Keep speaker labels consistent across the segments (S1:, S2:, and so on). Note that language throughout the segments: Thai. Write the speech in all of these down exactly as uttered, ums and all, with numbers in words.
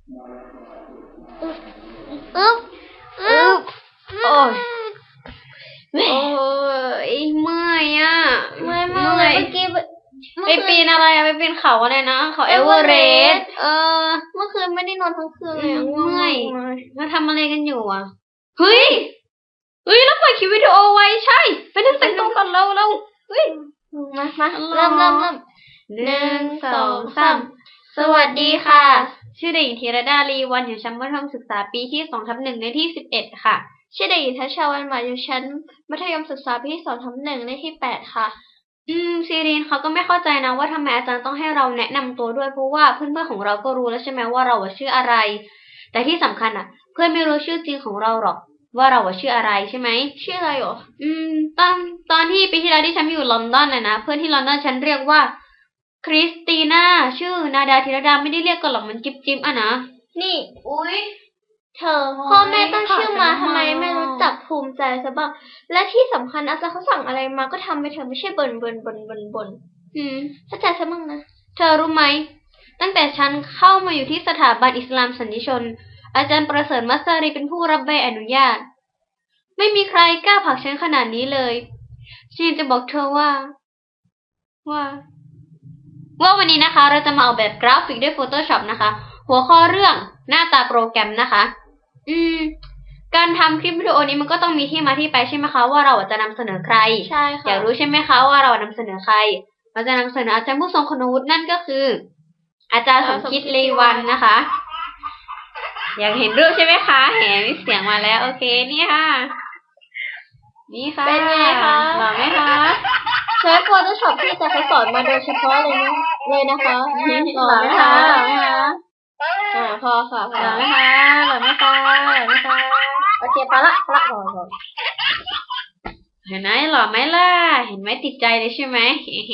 S1: อึ๊บอึ๊บอึ๊บโอ้ยโอ้ยเมื่อยอ่ะเมื่อยเมื่อยเมื่อกี้ไปปีนอะไรอะไปปีนเขาอะไรนะเขาเอเวอเรสต์เออเมื่อคืนไม่ได้นอนทั้งคืนเลยเมื่อยมาทำอะไรกันอยู่อ่ะเฮ้ยเฮ้ยแล้วปล่อยคลิปวิดีโอไว้ใช่ไปนั่งแต่งตัวกันเราเราเฮ้ยมามาเริ่มเริ่มเริ่มหนึ่งสองสามสวัสดีค่ะชื่อเด็กหญิงธีรดาลีวันอยู่ชั้นมัธยมศึกษาปีที่สองทับหนึ่งในที่สิบเอ็ดค่ะชื่อเด็กหญิงทัชชาวันหมายอยู่ชั้นมัธยมศึกษาปีที่สองทับหนึ่งในที่แปดค่ะอืมซีรีนเขาก็ไม่เข้าใจนะว่าทำไมอาจารย์ต้องให้เราแนะนำตัวด้วยเพราะว่าเพื่อนๆของเราก็รู้แล้วใช่ไหมว่าเราชื่ออะไรแต่ที่สำคัญอ่ะเพื่อนไม่รู้ชื่อจริงของเราหรอกว่าเราชื่ออะไรใช่ไหมชื่ออะไรหรออืมตอนตอนที่ปีที่แล้วที่ฉันอยู่ลอนดอนน่ะนะเพื่อนที่ลอนดอนฉันเรียกว่าคริสติน่าชื่อนาดาธีรดาไม่ได้เรียกกันหรอกมันจิ๊บจิ๊บอ่ะนะนี่อุ้ยเธอพ่อแม่ตั้งชื่อมาทำไมไม่รู้จักภูมิใจซะบ้างและที่สำคัญอาจารย์เขาสั่งอะไรมาก็ทำไปเถอะไม่ใช่บ่นบ่นบ่นบ่นบ่นอืมเข้าใจซะบ้างนะเธอรู้ไหมตั้งแต่ฉันเข้ามาอยู่ที่สถาบันอิสลามสันนิชนอาจารย์ประเสริฐมัสรีเป็นผู้รับใบอนุญาตไม่มีใครกล้าผลักฉันขนาดนี้เลยฉันจะบอกเธอว่าว่าว่าวันนี้นะคะเราจะมาออกแบบกราฟิกด้วย Photoshop นะคะหัวข้อเรื่องหน้าตาโปรแกรมนะคะอืมการทำคลิปวิดีโอนี้มันก็ต้องมีที่มาที่ไปใช่ไหมคะว่าเราจะนำเสนอใครใช่ค่ะอยากรู้ใช่ไหมคะว่าเรานำเสนอใครเราจะนำเสนออาจารย์ผู้ทรงคุณวุฒินั่นก็คืออาจารย์สมคิดเลวันนะคะอยากเห็นรูปใช่ไหมคะเห็นเสียงมาแล้วโอเคนี่ค่ะนี่ค่ะเป็นไงคะหล่อไหมคะใช้ Photoshop ที่อาจารย์เขาสอนมาโดยเฉพาะเลยนะเลยนะคะหล่อไหมคะหล่อไหมคะอ่าพอค่ะหล่อไหมคะหล่อไหมคะหล่อไหมคะโอเคพอละพอละพอพอเห็นไหมหล่อไหมล่ะเห็นไหมติดใจเลยใช่ไหม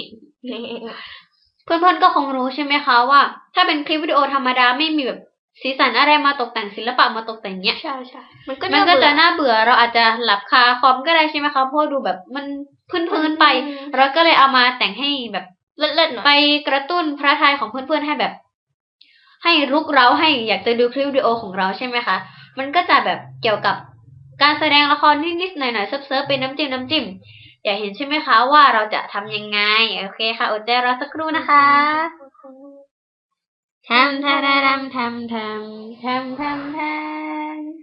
S1: เพื่อนๆก็คงรู้ใช่ไหมคะว่าถ้าเป็นคลิปวิดีโอธรรมดาไม่มีแบบสีสันอะไรมาตกแต่งศิลปะมาตกแต่งเนี้ยใช่ใช่มันก็มันก็จะน่าเบื่อเราอาจจะหลับคาคอมก็ได้ใช่ไหมคะเพราะดูแบบมันพื้นๆไปเราก็เลยเอามาแต่งให้แบบเล่นๆหน่อยไปกระตุ้นพระทัยของเพื่อนๆให้แบบให้รุกเร้าให้อยากจะดูคลิปวิดีโอของเราใช่ไหมคะมันก็จะแบบเกี่ยวกับการแสดงละครนิดๆหน่อยๆเซิร์ฟๆเป็นน้ำจิ้มน้ำจิ้มอยากเห็นใช่ไหมคะว่าเราจะทำยังไงโอเคค่ะอดใจรอสักครู่นะคะทำทำทำทำทำทำทำทำ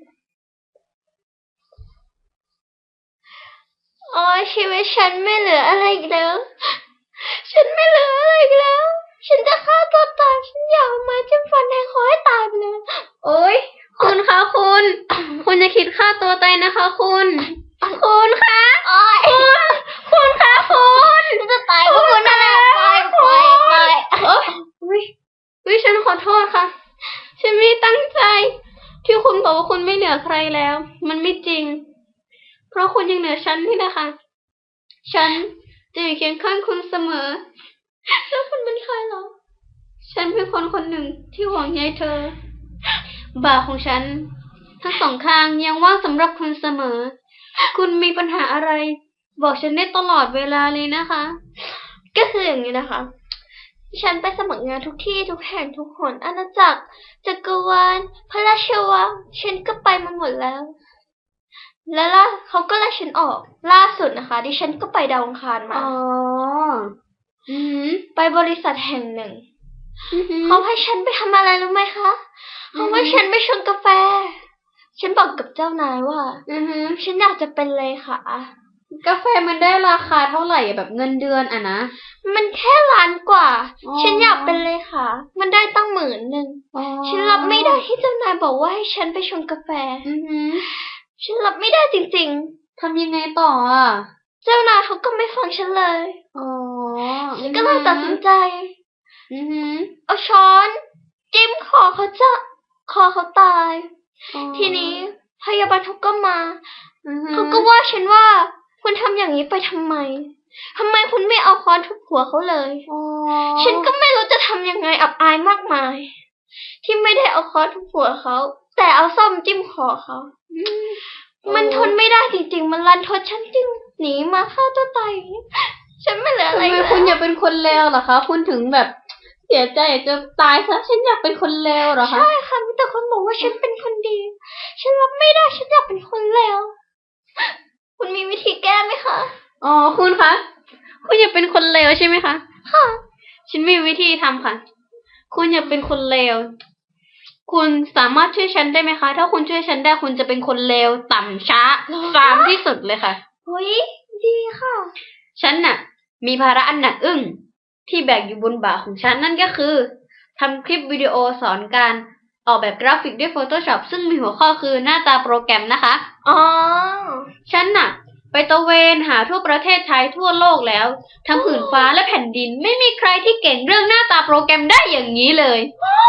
S1: โอ้ยชีวิตฉันไม่เหลืออะไรอีกแล้วฉันไม่เหลืออะไรอีกแล้วฉันจะฆ่าตัวตายฉันอยากมาจิ้มฟันแทงคอให้ตายไปเลยโอ้ยคุณคะคุณคุณจะคิดฆ่าตัวตายนะคะคุณคุณคะคุณคุณคะคุณจะตายเพราะคุณนั่นแหละไปไปไปอุ้ยอุ้ยฉันขอโทษค่ะฉันไม่ตั้งใจที่คุณบอกว่าคุณไม่เหลือใครแล้วมันไม่จริงเพราะคุณยังเหลือฉันนี่นะคะฉันจะอยู่เคียงข้างคุณเสมอแล้วคุณเป็นใครหรอฉันเป็นคนคนหนึ่งที่ห่วงใยเธอบ่าของฉันทั้งสองข้างยังว่างสำหรับคุณเสมอคุณมีปัญหาอะไรบอกฉันได้ตลอดเวลาเลยนะคะก็คืออย่างนี้นะคะฉันไปสมัครงานทุกที่ทุกแห่งทุกหนอาณาจักรจักรวาลพระราชวังฉันก็ไปมาหมดแล้วแล้วล่ะเขาก็ไล่ฉันออกล่าสุดนะคะดิฉันก็ไปดาวอังคารมาอ๋ออือไปบริษัทแห่งหนึ่งเขาให้ฉันไปทำอะไรรู้ไหมคะเขาให้ฉันไปชงกาแฟฉันบอกกับเจ้านายว่าอือฉันอยากจะเป็นเลขากาแฟมันได้ราคาเท่าไหร่แบบเงินเดือนอ่ะนะมันแค่ล้านกว่าฉันอยากเป็นเลขามันได้ตั้งหมื่นหนึ่งฉันรับไม่ได้ที่เจ้านายบอกว่าให้ฉันไปชงกาแฟอือฉันรับไม่ได้จริงๆทำยังไงต่ออ่ะเจ้านายเขาก็ไม่ฟังฉันเลยอ๋อฉันก็เลยตัดสินใจอือเอาช้อนจิ้มคอเขาจะคอเขาตายทีนี้พยาบาลเขาก็มาเขาก็ว่าฉันว่าคุณทำอย่างนี้ไปทำไมทำไมคุณไม่เอาค้อนทุบหัวเขาเลยฉันก็ไม่รู้จะทำยังไงอับอายมากมายที่ไม่ได้เอาค้อนทุบหัวเขาแต่เอาส้อมจิ้มคอเขามันทนไม่ได้จริงๆมันรันทดฉันจึงหนีมาฆ่าตัวตายฉันไม่เหลืออะไรแล้วทำไมคุณอย่าเป็นคนเลวเหรอคะคุณถึงแบบเสียใจจะตายซะฉันอยากเป็นคนเลวเหรอคะ
S2: ใช่ค่ะมีแต่คนบอกว่าฉันเป็นคนดีฉันรับไม่ได้ฉันอยากเป็นคนเลวคุณมีวิธีแก้ไหมคะ
S1: อ๋อคุณคะคุณอยากเป็นคนเลวใช่ไหมคะ
S2: ค่ะ
S1: ฉันมีวิธีทำค่ะคุณอยากเป็นคนเลวคุณสามารถช่วยฉันได้ไหมคะถ้าคุณช่วยฉันได้คุณจะเป็นคนเลวต่ำช้าฟามที่สุดเลยค่ะ
S2: เฮ้ยดีค่ะ
S1: ฉันน่ะมีภาระอันหนักอึ้งที่แบกอยู่บนบ่าของฉันนั่นก็คือทำคลิปวิดีโอสอนการออกแบบกราฟิกด้วย Photoshop ซึ่งมีหัวข้อคือหน้าตาโปรแกรมนะคะ
S2: อ๋อ
S1: ฉันน่ะไปตะเวนหาทั่วประเทศไทยทั่วโลกแล้วทั้งผืนฟ้าและแผ่นดินไม่มีใครที่เก่งเรื่องหน้าตาโปรแกรมได้อย่างนี้เลย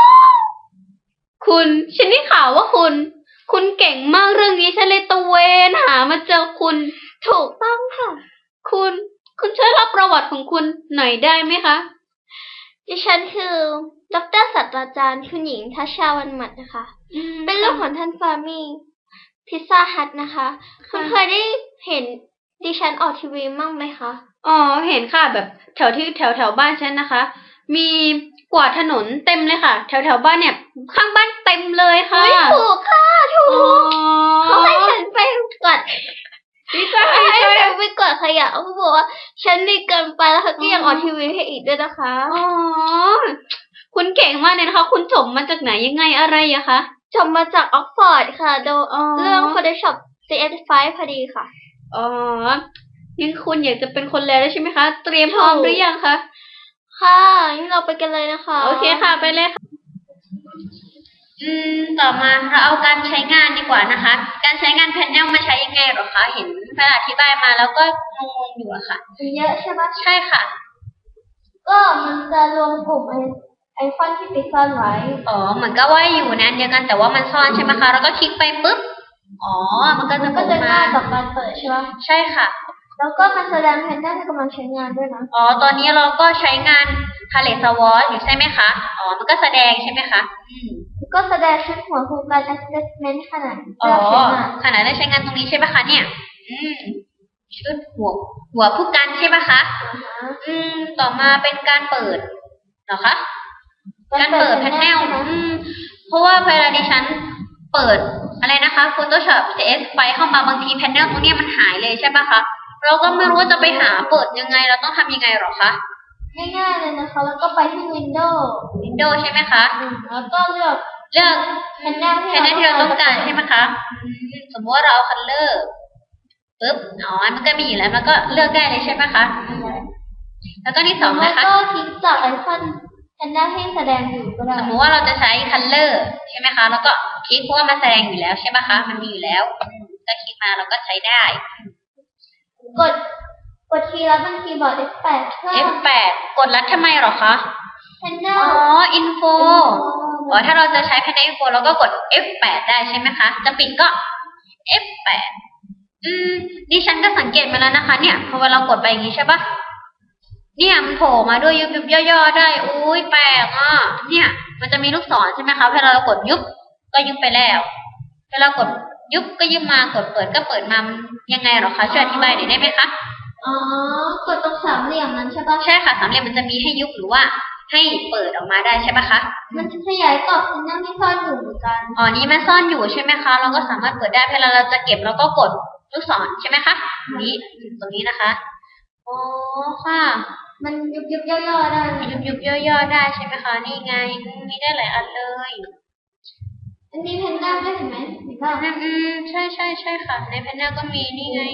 S1: คุณฉันได้ข่าวว่าคุณคุณเก่งมากเรื่องนี้ฉันเลยตะเวนหามาเจอคุณ
S2: ถูกต้องค่ะ
S1: คุณคุณช่วยเล่าประวัติของคุณหน่อยได้ไหมคะ
S2: ดิฉันคือดร.ศาสตราจารย์คุณหญิงทัชชาวันหมัดนะคะเป็นลูกของท่านฟาร์มี่พิซซ่าฮัทนะคะคุณเคยได้เห็นดิฉันออกทีวีมั่งไหมคะ
S1: อ๋อเห็นค่ะแบบแถวที่แถวแถวบ้านฉันนะคะมีกวาดถนนเต็มเลยค่ะแถวแถวบ้านเนี่ยข้างบ้านเต็มเลยค่ะ
S2: ถูกค่ะถูกเขาให้ฉันไปกวาด
S1: ดีใจ
S2: ให้ฉันไปกวาดขยะเขาบอกว่าฉันดีเกินไปแล้วเขาก็ยังออกทีวีให้อีกด้วยนะคะ
S1: อ๋อคุณเก่งมากเลยนะคะคุณจบมาจากไหนยังไงอะไรอะคะ
S2: จบมาจากออกฟอร์ดค่ะโดยเรื่อง Photoshop ซี เอส ไฟว์ พอดีค่ะ
S1: อ๋อยังคุณอยากจะเป็นคนแล้วใช่ไหมคะเตรียมพร้อมหรือยังคะ
S2: ค่ะงั้นเราไปกันเลยนะคะ
S1: โอเคค่ะไปเลยค่ะอืมต่อมาเราเอาการใช้งานดีกว่านะคะการใช้งานแพนเนลมาใช้ยังไงหรอคะเห็นแพนอธิบายมาแล้วก็งงๆอยู่อะค่ะ
S2: เยอะใช่ไหม
S1: ใช่ค่ะ
S2: ก็มันจะรวมกลุ่มไอไอคอนที่ไปซ่อนไว้
S1: อ๋อเหมือนก็ว่าอยู่นั้นเดียวกันแต่ว่ามันซ่อนใช่ไหมคะแล้วก็คลิกไปปุ๊บอ๋อมันก็จะ
S2: ก็จะง่ายต่อการเปิดใช่ไหม
S1: ใช่ค่ะ
S2: แล้วก็มาแสดงแพนเนลที่กำลังใช้งานด้วยนะ
S1: อ๋อตอนนี้เราก็ใช้งาน Palette Swatch อยู่ใช่ไหมคะอ๋อมันก็แสดงใช่ไหมคะอืม
S2: ก็แสดงชุดหัวโครงการ assessment ขนาด
S1: อ๋อขนาดได้ใช้งานตรงนี้ใช่ไหมคะเนี่ยอืมชุดหัวหัวผู้กันใช่ไหมคะอืมต่อมาเป็นการเปิดเหรอคะการเปิดแพนเนลอืมเพราะว่าเวลาดิฉันเปิดอะไรนะคะ Photoshop ซี เอส ไปเข้ามาบางทีแพนเนลตรงนี้มันหายเลยใช่ปะคะเราก็ไม่รู้ว่าจะไปหาเปิดยังไงเราต้องทำยังไงหรอคะ
S2: ง่ายๆเลยนะคะแล้วก็ไปที่ Windows
S1: Windows ใช่ไหมคะ
S2: แล้วก็เลือก
S1: เลือก
S2: แพนเนล
S1: ที่เราต้องการใช่ไหมคะสมมติว่าเราเอาคัลเลอร์ปึ๊บอ๋อมันก็มีอยู่แล้วมันก็เลือกได้เลยใช่ไหมคะแล้วก็ที่สองนะคะ
S2: ก็คลิกจากไอคอนแพนเนลให้แสดงอยู่ก็ได้
S1: สมมติว่าเราจะใช้คัลเลอร์ใช่ไหมคะแล้วก็คลิกเพราะว่ามันแสดงอยู่แล้วใช่ไหมคะมันมีอยู่แล้วก็คลิกมาเราก็ใช้ได้
S2: กดกดคีย์ลัดบนคีย์บอร์ด เอฟ แปด
S1: เอฟ แปด กดลัดทำไมหรอคะ
S2: แพนเนล
S1: อ๋อ info อ๋อถ้าเราจะใช้แพนเนล info เราก็กด เอฟ แปด ได้ใช่ไหมคะจะปิดก็ เอฟ แปด อืมดิฉันก็สังเกตมาแล้วนะคะเนี่ยพอเวลาเรากดไปอย่างนี้ใช่ปะเนี่ยมันโผล่มาด้วยยุบยุบย่อๆได้อุ้ยแปลกอ่ะเนี่ยมันจะมีลูกศรใช่ไหมคะเวลาเรากดยุบก็ยุบไปแล้วเวลากดยุบก็ยุบมากดเปิดก็เปิดมายังไงหรอคะช่วยอธิบายหน่อยได้ไหมคะ
S2: อ๋อกดตรงสามเหลี่ยมนั้นใช่ปะ
S1: ใช่ค่ะสามเหลี่ยมมันจะมีให้ยุบหรือว่าให้เปิดออกมาได้ใช่ปะคะ
S2: มันจะขยายกรอบแพนเนลที่ซ่อนอยู่เหมือนกัน
S1: อ๋อนี่มันซ่อนอยู่ใช่ไหมคะเราก็สามารถเปิดได้เวลาเราจะเก็บเราก็กดลูกศรใช่ไหมคะนี้ตรงนี้นะคะอ๋อค่ะ
S2: มันยุบยุบย่อๆได้
S1: ยุบยุบย่อๆได้ใช่ไหมคะนี่ไงมีได้หลายอันเลย
S2: อันนี้แพนเนลได้เห็นไหมเห็นป่ะ
S1: อืมใช่ใช่ใช่ค่ะในแพนเนลก็มีนี่ไง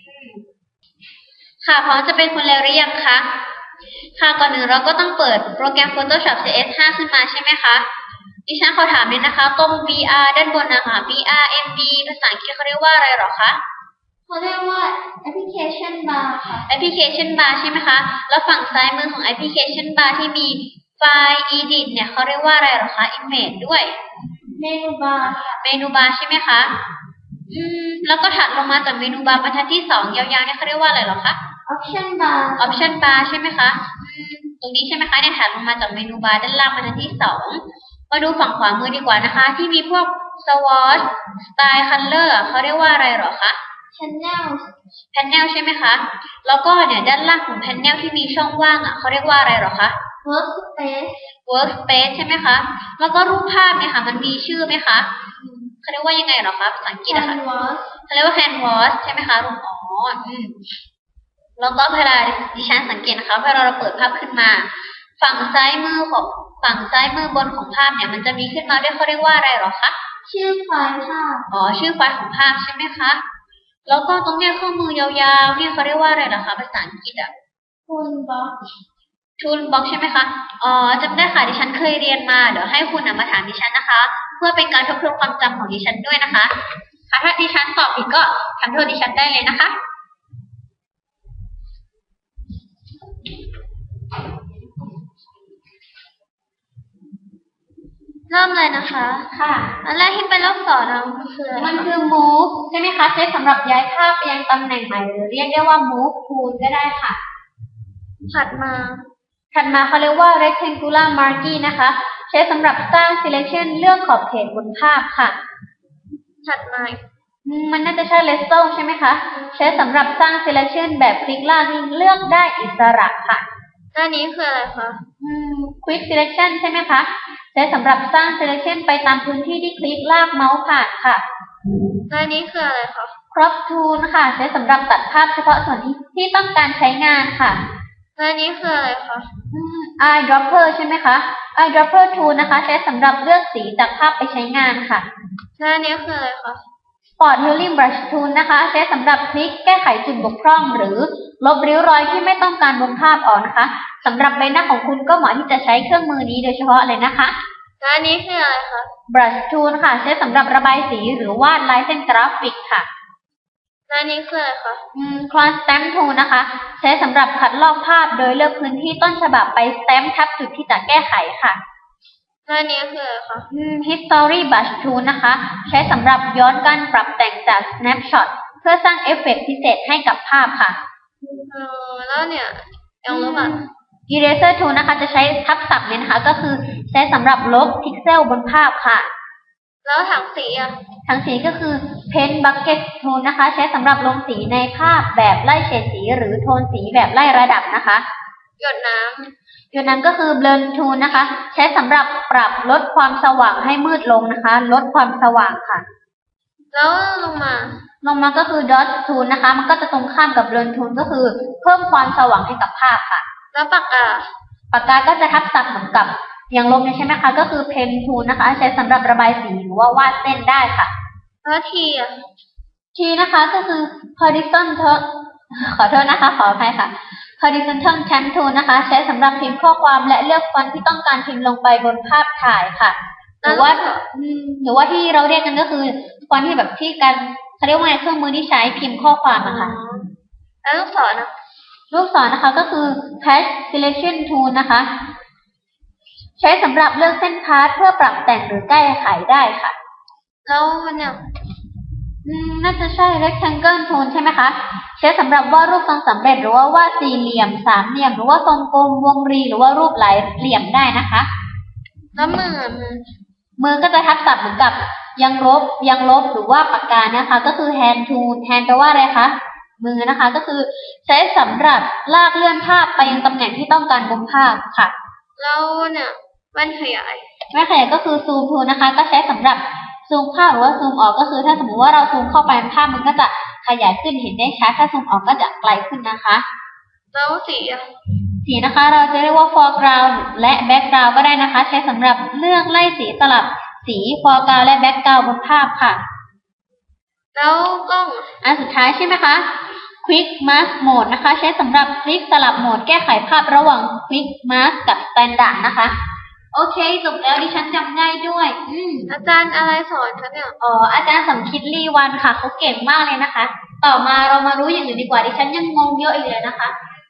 S1: ค่ะพร้อมจะเป็นคนแล้วหรือยังคะค่ะก่อนหนึ่งเราก็ต้องเปิดโปรแกรม Photoshop ซี เอส ห้า ขึ้นมาใช่ไหมคะดิฉันขอถามนิดนะคะตรง บี อาร์ ด้านบนนะคะ บี อาร์ เอ็ม บี ภาษาอังกฤษเขาเรียกว่าอะไรหรอคะ
S2: เขาเรียกว่า Application Bar ค่ะ
S1: Application Bar ใช่ไหมคะแล้วฝั่งซ้ายมือของ Application Bar ที่มีไฟล์ Edit เนี่ยเขาเรียกว่าอะไรหรอคะ Image ด้วย
S2: เมนูบาร์
S1: เมนูบาร์ใช่ไหมคะอืมแล้วก็ถัดลงมาจากเมนูบาร์บรรทัดที่สองยาวๆเนี่ยเขาเรียกว่าอะไรหรอคะ
S2: Option Bar
S1: Option Bar ใช่ไหมคะอืมตรงนี้ใช่ไหมคะเนี่ยถัดลงมาจากเมนูบาร์ด้านล่างบรรทัดที่สองมาดูฝั่งขวามือดีกว่านะคะที่มีพวก Swatch Style Color เขาเรียกว่าอะไรหรอคะ
S2: Channel
S1: Panel ใช่ไหมคะแล้วก็เนี่ยด้านล่างของ Panel ที่มีช่องว่างอ่ะเขาเรียกว่าอะไรหรอคะ
S2: workspace
S1: workspace ใช่ไหมคะ แล้วก็รูปภาพเนี่ยค่ะ มันมีชื่อไหมคะเขาเรียกว่ายังไงเหรอคะภาษาอังกฤษอะค่ะ
S2: canvas
S1: เขาเรียกว่า canvas ใช่ไหมคะรูปอ๋ออืมแล้วก็เวลาดิฉันสังเกตนะคะเวลาเราเปิดภาพขึ้นมา ฝั่งซ้ายมือของฝั่งซ้ายมือบนของภาพเนี่ย มันจะมีขึ้นมาด้วยเขาเรียกว่าอะไรเหรอคะ
S2: ชื่อไฟล์ภาพ
S1: อ๋อชื่อไฟล์ของภาพใช่ไหมคะ แล้วก็ตรงเนี้ยเครื่องมือยาวๆเนี่ยเขาเรียกว่าอะไรเหรอคะภาษาอังกฤษอะ
S2: toolbox
S1: toolbox ใช่ไหมคะ อ๋อจำได้ค่ะดิฉันเคยเรียนมา เดี๋ยวให้คุณนะมาถามดิฉันนะคะ เพื่อเป็นการทบทวนความจำของดิฉันด้วยนะคะ ค่ะถ้าดิฉันตอบผิดก็ทำโทษดิฉันได้เลยนะคะ
S2: เริ่มเลยนะคะ
S1: ค่ะ
S2: อันแรกที่เป็นลูกศรนะมันคืออะไร
S1: มันคือ move ใช่ไหมคะ ใช้สำหรับย้ายภาพไปยังตำแหน่งใหม่หรือเรียกได้ว่า move tool ก็ได้ค่ะ
S2: ถัดมา
S1: ถัดมาเขาเรียกว่า rectangular marquee นะคะ ใช้สำหรับสร้าง selection เลือกขอบเขตบนภาพค่ะ
S2: ถัดมา
S1: อืมมันน่าจะใช่ lasso ใช่ไหมคะ ใช้สำหรับสร้าง selection แบบคลิกลากเลือกได้อิสระค่ะ
S2: หน้านี้คืออะไรคะ
S1: อืม quick selection ใช่ไหมคะ ใช้สำหรับสร้าง selection ไปตามพื้นที่ที่คลิกลากเมาส์ผ่านค่ะ
S2: หน้านี้คืออะไรคะ
S1: crop tool ค่ะ ใช้สำหรับตัดภาพเฉพาะส่วนที่ที่ต้องการใช้งานค่ะ
S2: หน้านี้คืออะไรคะ
S1: อืม eyedropper ใช่ไหมคะ eyedropper tool นะคะ ใช้สำหรับเลือกสีจากภาพไปใช้งานค่ะ
S2: หน้านี้คืออะไรคะ
S1: spot healing brush tool นะคะ ใช้สำหรับคลิกแก้ไขจุดบกพร่องหรือลบริ้วรอยที่ไม่ต้องการบนภาพออกนะคะสำหรับใบหน้าของคุณก็เหมาะที่จะใช้เครื่องมือนี้โดยเฉพาะเลยนะคะ
S2: หน้านี้คืออะไรคะ
S1: brush tool ค่ะ ใช้สำหรับระบายสีหรือวาดลายเส้นกราฟิกค่ะ
S2: หน้านี้คืออะไรคะ
S1: อืม clone stamp tool นะคะ ใช้สำหรับคัดลอกภาพโดยเลือกพื้นที่ต้นฉบับไป stamp ทับจุดที่จะแก้ไขค่ะ
S2: หน้านี้คืออะไรคะ
S1: อืม history brush tool นะคะ ใช้สำหรับย้อนการปรับแต่งจาก snapshot เพื่อสร้างเอฟเฟกต์พิเศษให้กับภาพค่ะ
S2: เออแล้วเนี่ยยังลบอ่ะ
S1: eraser tool นะคะ จะใช้ทับศัพท์เนี่ยนะคะ ก็คือใช้สำหรับลบพิกเซลบนภาพค่ะ
S2: แล้วถังสีอ่ะ
S1: ถังสีก็คือ paint bucket tool นะคะ ใช้สำหรับลงสีในภาพแบบไล่เฉดสีหรือโทนสีแบบไล่ระดับนะคะ
S2: หยดน้
S1: จุดนั้นก็คือ blur tool นะคะ ใช้สำหรับปรับลดความสว่างให้มืดลงนะคะ ลดความสว่างค่ะ
S2: ำแล้วลงมา
S1: ลงมาก็คือ dot tool นะคะ มันก็จะตรงข้ามกับ blur tool ก็คือเพิ่มความสว่างให้กับภาพค่ะ
S2: แล้วปากกา
S1: ปากกาก็จะทับศัพท์เหมือนกับอย่างลบเนี่ยใช่ไหมคะ ก็คือ pen tool นะคะ ใช้สำหรับระบายสีหรือว่าวาดเส้นได้ค่ะ
S2: แล้วทีอ่ะ
S1: T นะคะก็คือ horizontal ขอโทษนะคะ ขออภัยค่ะ horizontal tab tool นะคะ ใช้สำหรับพิมพ์ข้อความและเลือกฟอนต์ที่ต้องการพิมพ์ลงไปบนภาพถ่ายค่ะ หรือว่าอืมหรือว่าที่เราเรียกกันก็คือฟอนต์ที่แบบที่การเขาเรียกว่าไงเครื่องมือที่ใช้พิมพ์ข้อความอะค่ะ
S2: แล้วลูกศรอ่ะ
S1: ลูกศรนะคะก็คือ patch selection tool นะคะ ใช้สำหรับเลือกเส้นพาสเพื่อปรับแต่งหรือแก้ไขได้ค่ะ
S2: แล้วมันเนี่ย
S1: อืมน่าจะใช่ rectangle tool ใช่ไหมคะ ใช้สำหรับวาดรูปทรงสำเร็จหรือว่าวาดสี่เหลี่ยมสามเหลี่ยมหรือว่าทรงกลมวงรีหรือว่ารูปหลายเหลี่ยมได้นะคะ
S2: แล้วมืออ่ะมือ
S1: มือก็จะทับศัพท์เหมือนกับยังลบยังลบหรือว่าปากกานะคะ ก็คือ hand tool hand แปลว่าอะไรคะมือนะคะก็คือใช้สำหรับลากเลื่อนภาพไปยังตำแหน่งที่ต้องการบนภาพค่ะ
S2: แล้วเนี่ยแว่นขยาย
S1: แม่ขยายก็คือ zoom tool นะคะ ก็ใช้สำหรับซูมเข้าหรือว่าซูมออกก็คือถ้าสมมติว่าเราซูมเข้าไปภาพมันก็จะขยายขึ้นเห็นได้ชัดถ้าซูมออกก็จะไกลขึ้นนะคะ
S2: แล้วสีอ่ะ
S1: สีนะคะเราจะเรียกว่า foreground และ background ก็ได้นะคะ ใช้สำหรับเลือกไล่สีสลับสี foreground และ background บนภาพค่ะ
S2: แล้วกล้อง
S1: อันสุดท้ายใช่ไหมคะ quick mask mode นะคะ ใช้สำหรับคลิกสลับโหมดแก้ไขภาพระหว่าง quick mask กับ standard นะคะโอเคจบแล้วดิฉันจำง่ายด้วยอืม
S2: อาจารย์อะไรสอนคะเนี่ย
S1: อ๋ออาจารย์สมคิดลีวันค่ะเขาเก่งมากเลยนะคะ ต่อมาเรามารู้อย่างอื่นดีกว่าดิฉันยังงงเยอะอีกเลยนะคะ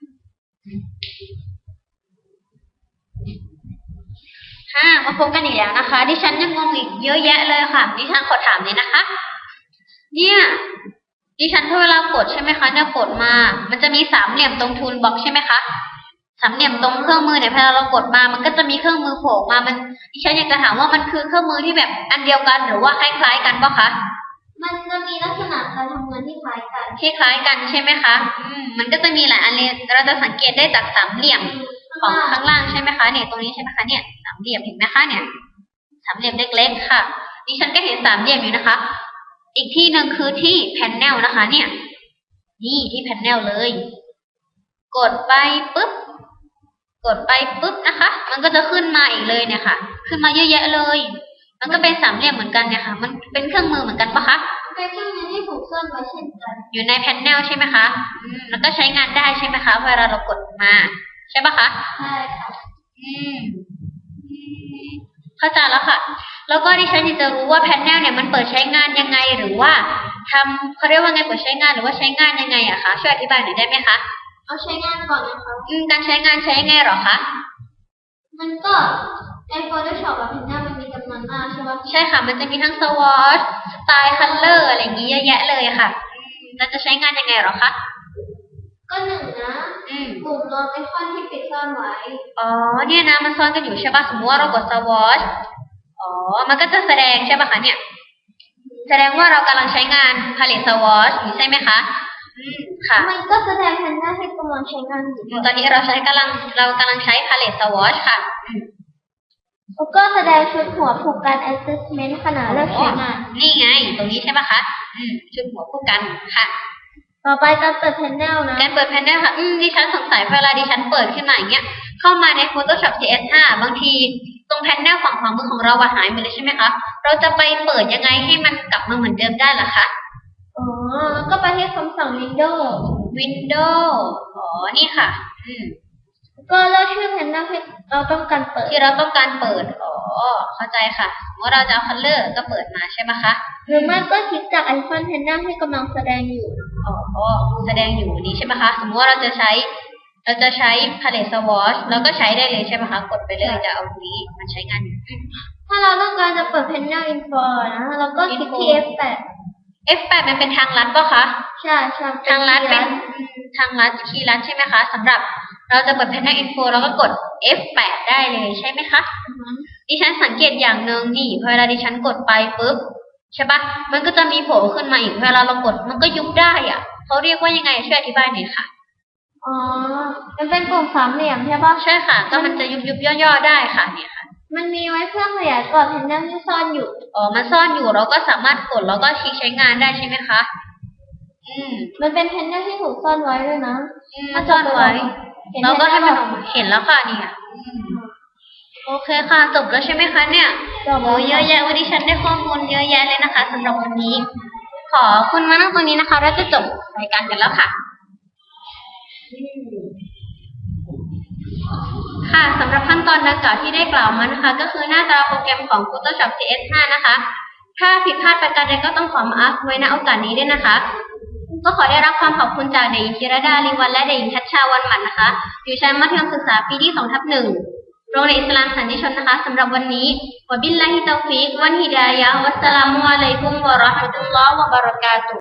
S1: ค่ะมาพบกันอีกแล้วนะคะ ดิฉันยังงงอีกเยอะแยะเลยค่ะดิฉันขอถามเลยนะคะ เนี่ยดิฉันถ้าเวลากดใช่ไหมคะเนี่ยกดมามันจะมีสามเหลี่ยมตรงทูลบ็อกใช่ไหมคะสามเหลี่ยมตรงเครื่องมือเนี่ยพอเรากดมามันก็จะมีเครื่องมือโผล่มามันดิฉันอยากจะถามว่ามันคือเครื่องมือที่แบบอันเดียวกันหรือว่าคล้ายๆกันปะคะ
S2: มันจะมีลักษณะการทำงานที่คล้ายกัน
S1: คล้ายๆกันใช่ไหมคะอืมมันก็จะมีหลายอันเลยเราจะสังเกตได้จากสามเหลี่ยมของข้างล่างใช่ไหมคะเนี่ยตรงนี้ใช่ไหมคะเนี่ยสามเหลี่ยมเห็นไหมคะเนี่ยสามเหลี่ยมเล็กๆค่ะดิฉันก็เห็นสามเหลี่ยมอยู่นะคะ อีกที่หนึ่งคือที่แผ่นแนวนะคะ เนี่ยนี่ที่แผ่นแนวเลย กดไปปุ๊บกดไปปุ๊บนะคะ มันก็จะขึ้นมาอีกเลยเนี่ยค่ะ ขึ้นมาเยอะแยะเลย มันก็เป็นสามเหลี่ยมเหมือนกันเนี่ยค่ะ มันเป็นเครื่องมือเหมือนกันปะคะ
S2: เป็นเครื่องมือที่ถูกซ่อนไว้เช่นกัน
S1: อยู่ในแผ่นแนวใช่ไหมคะอืมแล้วก็ใช้งานได้ใช่ไหมคะเวลาเรากดมาใช่ปะคะ
S2: ใช่ค่ะ
S1: อืมเข้าใจแล้วค่ะ แล้วก็ดิฉันอยากจะรู้ว่าแผ่นแนวเนี่ยมันเปิดใช้งานยังไงหรือว่าทำเขาเรียกว่าไงเปิดใช้งานหรือว่าใช้งานยังไงอะคะช่วยอธิบายหน่อยได้ไหมคะ
S2: เอาใช้งานก่อนนะคะ
S1: อืมการใช้งานใช้ยังไงหรอคะ
S2: มันก็ใน Photoshop กับแผ่นหน้ามันมีจำนวนมากใช่ไหม
S1: ใช่ค่ะมันจะมีทั้ง swatch สไตล์ color อะไรอย่างงี้เยอะแยะเลยค่ะเราจะใช้งานยังไงหรอคะ
S2: ก็หนึ่งนะปุ่มรองไอคอนที่ปิดซ่อนไว้
S1: อ๋อเนี่ยนะมันซ่อนกันอยู่ใช่ป่ะสมมติว่าเรากด swatch อ๋อมันก็จะแสดงใช่ป่ะคะเนี่ยแสดงว่าเรากำลังใช้งาน palette swatch อยู่ใช่ไหมคะอืมค่ะ
S2: มันก็แสดงแผ่นหน้าให้กำลังใช้งานอยู่
S1: ตอนนี้เราใช้กำลังเรากำลังใช้ palette swatch ค่ะ
S2: แล้วก็แสดงชุดหัวผูกกัน adjustment ขนาดเลือกใช้งาน
S1: นี่ไงตรงนี้ใช่ป่ะคะอืมชุดหัวผูกกันค่ะ
S2: ต่อไปการเปิดแผ่นแนวนะ
S1: การเปิดแผ่นแนวค่ะอืมดิฉันสงสัยเวลาดิฉันเปิดขึ้นมาอย่างเงี้ยเข้ามาใน Photoshop ซี เอส ห้า บางทีตรงแผ่นแนวฝั่งขวามือของเราหายไปเลยใช่ไหมคะเราจะไปเปิดยังไงให้มันกลับมาเหมือนเดิมได้ล่ะคะ
S2: อ๋อก็ไปที่คำสั่ง Windows
S1: Windows อ๋อนี่ค่ะอืม
S2: ก็เลือกชื่อแผ่นหน้าที่เราต้องการเปิด
S1: ที่เราต้องการเปิดอ๋อเข้าใจค่ะว่าเราจะเอา color ก็เปิดมาใช่ไหมคะ
S2: หรือไม่ก็คลิกจากไอคอนแผ่นหน้าที่กำลังแสดงอยู่
S1: อ๋อแสดงอยู่นี้ใช่ไหมคะสมมติว่าเราจะใช้เราจะใช้ palette swatch เราก็ใช้ได้เลยใช่ไหมคะกดไปเลยจะเอาตรงนี้มันใช้งานอยู่
S2: ถ้าเราต้องการจะเปิดแผ่นหน้า info นะเราก็คลิกที่ เอฟ แปด
S1: เอฟ แปด มันเป็นทางลัดป่ะคะ
S2: ใช่ใช่
S1: ทางลัดเป็นทางลัดคีย์ลัดใช่ไหมคะสำหรับเราจะเปิดแผ่นหน้า info เราก็กด เอฟ แปด ได้เลยใช่ไหมคะดิฉันสังเกตอย่างหนึ่งนี่พอเวลาดิฉันกดไปปุ๊บใช่ปะมันก็จะมีโผล่ขึ้นมาอีกเวลาเรากดมันก็ยุบได้อ่ะเขาเรียกว่ายังไงช่วยอธิบายหน่อยค่ะ
S2: อ๋อมันเป็นปุ่มสามเหลี่ยมใช่ปะ
S1: ใช่ค่ะก็มันจะยุบยุบย่อๆได้ค่ะเนี่ยค่ะ
S2: มันมีไว้เพื่อขยายกรอบแผ่นหน้าที่ซ่อนอยู่
S1: อ๋อมันซ่อนอยู่เราก็สามารถกดแล้วก็คลิกใช้งานได้ใช่ไหมคะอืม
S2: มันเป็นแผ่นหน้าที่ถูกซ่อนไว้ด้วยนะ
S1: มันซ่อนไว้เราก็ให้มันออกมาเห็นแล้วค่ะนี่โอเคค่ะจบแล้วใช่ไหมคะเนี่ยโอ้เยอะแยะวันนี้ฉันได้ข้อมูลเยอะแยะเลยนะคะสำหรับวันนี้ ขอคุณมานั่งตรงนี้นะคะเราจะจบรายการกันแล้วค่ะค่ะสำหรับขั้นตอนดังกล่าวที่ได้กล่าวมานะคะก็คือหน้าตาโปรแกรมของ Photoshop ซี เอส ห้า นะคะถ้าผิดพลาดประการใดก็ต้องขอมาอัพไว้ณโอกาสนี้ด้วยนะคะก็ขอได้รับความขอบคุณจากเด็กหญิงธีรดาลีวันและเด็กหญิงทัชชาวันหมันนะคะอยู่ชั้นมัธยมศึกษาปีที่ สองทับหนึ่ง โรงเรียนอิสลามสันติชนนะคะสำหรับวันนี้วะบิลลาฮิตอฟิกวันฮิดายะฮ์วัสสลามุอะลัยกุมวะเราะห์มะตุลลอฮ์วะบะเราะกาตุฮ์